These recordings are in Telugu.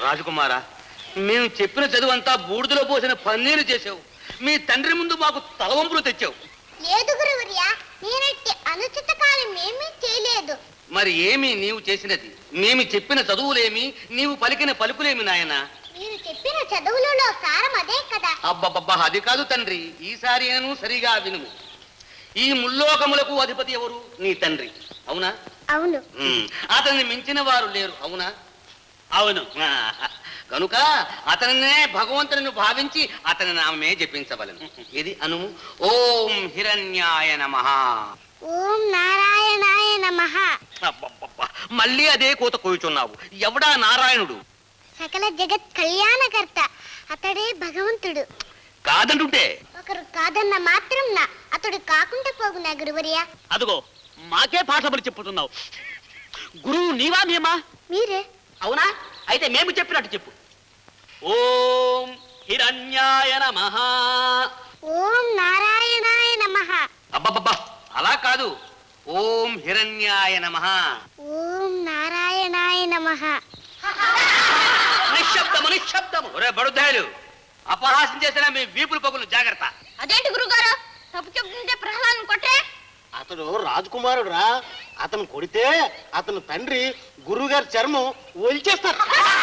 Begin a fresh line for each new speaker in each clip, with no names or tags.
రాజకుమారా, మేము చెప్పిన చదువంతా బూడిదలో పోసిన పన్నీరు చేసావు. మీ తండ్రి ముందు మాకు తలవంపులు తెచ్చావు.
లేదు గురువర్యా, నేనట్టి అనుచిత కార్యం ఏమీ చేయలేదు.
మరి ఏమి నీవు చేసినది? మేము చెప్పిన చదువులేమి, నీవు పలికిన పలుకులేమి నాయనా?
మీరు చెప్పిన చదువులలో సారం అదే కదా.
అబ్బబ్బబ్బా, అది కాదు తండ్రి. ఈసారి నేను సరిగా వినుము. ఈ ముల్లోకములకు అధిపతి ఎవరు? నీ తండ్రి, అవునా?
అవును.
అతన్ని మించిన వారు లేరు, అవునా?
అవును.
కనుక అతనినే భగవంతుని భావించి అతని నామే జపించవలను. ఇది అనుము. ఓం హిరణ్యాయ నమః.
ఓం నారాయణాయ నమః.
అబ్బబ్బబ్బా, మళ్ళీ అదే కోత కోయుచున్నావు. ఎవడా నారాయణుడు?
సకల జగత్ కళ్యాణకర్త, అతడే భగవంతుడు.
కాదంటుంటే?
ఒకరు కాదన్న మాత్రం అతడు కాకుండా పోగునా గురువర్యా?
అదుగో మాకే పాఠములు చెప్పుతున్నావు. గురువు నీవా మేమా?
మీరే.
అవునా? అయితే మేము చెప్పినట్టు చెప్పు. ఓం హిరణ్యాయ నమః.
ఓం నారాయణాయ నమః.
అబ్బబ్బబ్బా, అలా కాదు. ఓం హిరణ్యాయ నమః.
ఓం నారాయణాయ నమః.
నిశ్శబ్దము, నిశ్శబ్దము. ఒరే బడుద్దాయులు, అపహాసం చేసిన మీ వీపులు పగులు జాగ్రత్త.
అదేంటి గురుగారు, తప్పు చెప్తుంటే ప్రహ్లాదం కొట్టే?
అతడు రాజకుమారుడు రా. అతను కొడితే అతను తండ్రి గురువుగారి చర్మం ఒలిచేస్తారు.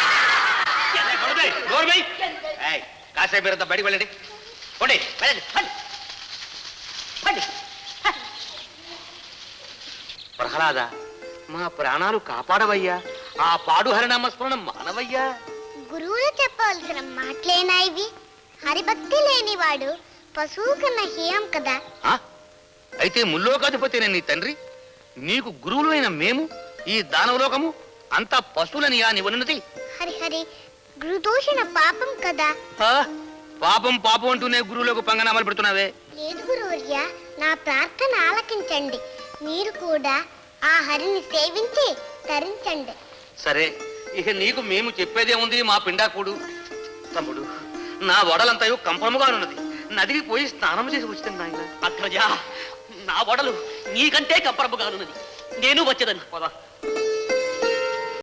కాసేపు మీరంతా బయటికి వెళ్ళండి. ప్రహ్లాద, మా ప్రాణాలు కాపాడవయ్యా. ఆ పాడు హరినామస్మరణ మానవయ్యా.
గురువులు చెప్పవలసిన మాటలేనా ఇవి? హరిభక్తి లేనివాడు పశువు కన్నా హీనం కదా.
అయితే ముల్లోకాధిపతినే నీ తండ్రి, నీకు గురువులైన మేము ఈ దానవలోకము అంతా పశువులని నీవన్నది?
హరిహరి, గురుదోషణ పాపం కదా.
పాపం పాపం అంటూనే గురువులకు పంగనామాలు పెడుతున్నావే.
లేదు గురువర్య, నా ప్రార్థన ఆలకించండి. మీరు కూడా ఆ హరిని సేవించి తరించండి.
సరే, ఇక నీకు మేము చెప్పేదే ఉంది. మా పిండాకుడు తమ్ముడు, నా వడలంతయు కంపముగానున్నది. నదికి పోయి స్నానం చేసి వచ్చింది నాయన.
అగ్రజ, నా వడలు నీకంటే కంపరముగానున్నది. నేను వచ్చేదని.
పోదా.